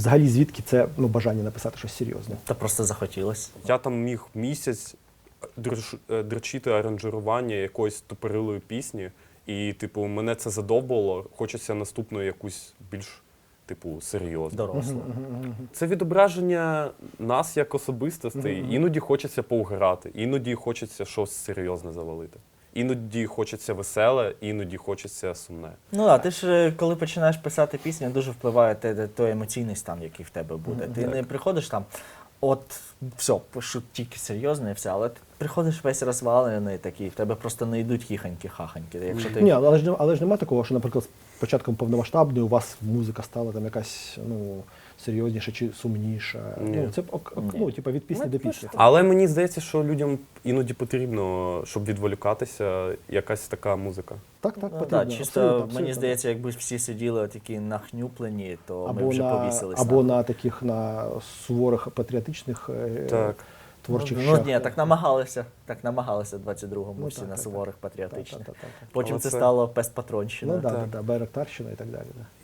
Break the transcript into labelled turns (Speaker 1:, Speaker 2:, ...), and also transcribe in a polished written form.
Speaker 1: Взагалі, звідки це бажання написати щось серйозне?
Speaker 2: Та просто захотілося.
Speaker 3: Я там міг місяць дрочити аранжування якоїсь тупорилої пісні, і, типу, мене це задовбало, хочеться наступну якусь більш, типу, серйозну.
Speaker 2: Доросло.
Speaker 3: Це відображення нас як особистостей. Іноді хочеться поуграти, іноді хочеться щось серйозне завалити. Іноді хочеться веселе, іноді хочеться сумне.
Speaker 2: Ну так, ти ж коли починаєш писати пісню, дуже впливає той емоційний стан, який в тебе буде. Ти не приходиш там, от все, пишу тільки серйозне і все, але ти приходиш весь розвалений такий, в тебе просто не йдуть хіханьки-хаханьки. Якщо ти...
Speaker 1: Ні, але ж немає такого, що, наприклад, з початком повномасштабної у вас музика стала там якась, серйозніша чи сумніша.
Speaker 3: Ні.
Speaker 1: Це, типу, від пісні до пісні.
Speaker 3: Але мені здається, що людям іноді потрібно, щоб відволікатися, якась така музика.
Speaker 1: Так,
Speaker 2: Ну,
Speaker 1: потрібно.
Speaker 2: чисто,
Speaker 1: абсолютно.
Speaker 2: мені здається, якби всі сиділи такі нахнюплені, то ми
Speaker 1: Або
Speaker 2: вже повісились.
Speaker 1: або на таких, на суворих патріотичних
Speaker 3: Так.
Speaker 1: творчих
Speaker 2: Ну
Speaker 1: щах.
Speaker 2: ні, так намагалися в 22-му всі
Speaker 1: так,
Speaker 2: на
Speaker 1: так,
Speaker 2: суворих патріотичних.
Speaker 1: Так.
Speaker 2: Потім
Speaker 3: Але
Speaker 2: це
Speaker 3: це-
Speaker 2: стало пестпатронщина.
Speaker 1: Байрактарщина і так далі. Да.